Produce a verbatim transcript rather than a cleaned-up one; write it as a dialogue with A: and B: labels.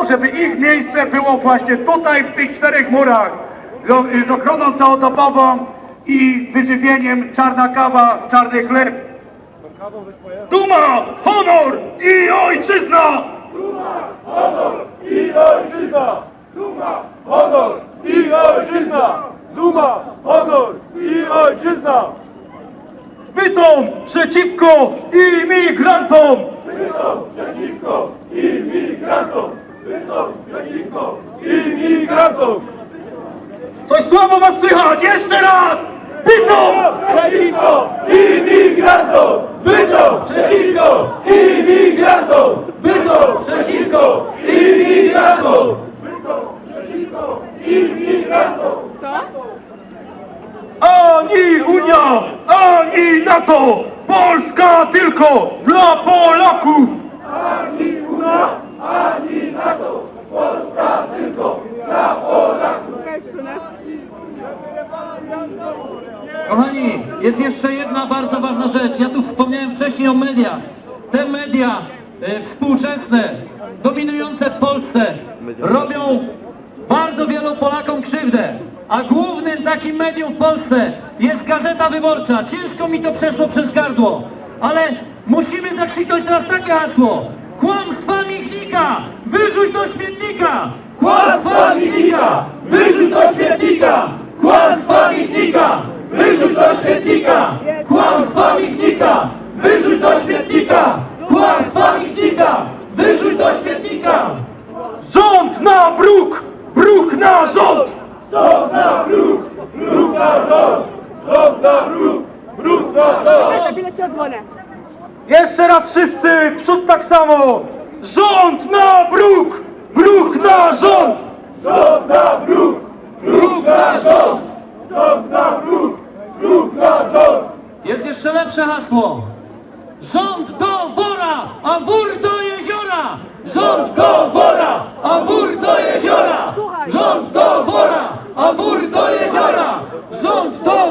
A: żeby ich miejsce było właśnie tutaj, w tych czterech murach, z, z ochroną całodobową i wyżywieniem, czarna kawa, czarny chleb. Duma, honor i ojczyzna!
B: Duma, honor i ojczyzna! Duma, honor i ojczyzna! Duma, honor i ojczyzna!
A: Bytom przeciwko imigrantom!
B: Bytom przeciwko imigrantom! Bytom przeciwko imigrantom!
A: Coś słabo was słychać, jeszcze raz! Bytom!
B: Przeciwko imigrantom! Bytom przeciwko imigrantom! Bytom przeciwko imigrantom! Bytom przeciwko imigrantom!
A: Ani Unia, ani NATO! Polska tylko dla Polaków!
B: Ani Unia, ani NATO! Polska tylko dla Polaków!
C: Kochani, jest jeszcze jedna bardzo ważna rzecz. Ja tu wspomniałem wcześniej o mediach. Te media e, współczesne, dominujące w Polsce, robią bardzo wielu Polakom krzywdę. A głównym takim medium w Polsce jest Gazeta Wyborcza. Ciężko mi to przeszło przez gardło, ale musimy zakrzyknąć teraz takie hasło. Kłamstwa Michnika, wyrzuć do śmietnika!
B: Kłamstwa Michnika, wyrzuć do śmietnika! Kłamstwa Michnika, wyrzuć do śmietnika! Kłamstwa Michnika, wyrzuć do śmietnika! Kłamstwa Michnika, wyrzuć do śmietnika!
A: Rząd na bruk, bruk na rząd!
B: Rząd na bruk, bruk na rząd! Rząd na bruk, bruk na rząd!
D: Za chwilę ci odzwonię.
A: Jeszcze raz wszyscy, przód tak samo! Rząd na bruk, bruk na rząd!
B: Rząd na bruk, bruk na rząd! Rząd na bruk, bruk na rząd!
C: Jest jeszcze lepsze hasło. Rząd do wora, a wór do jeziora! Rząd do wora, a wór do jeziora! Rząd do wora, a wór do jeziora! Rząd do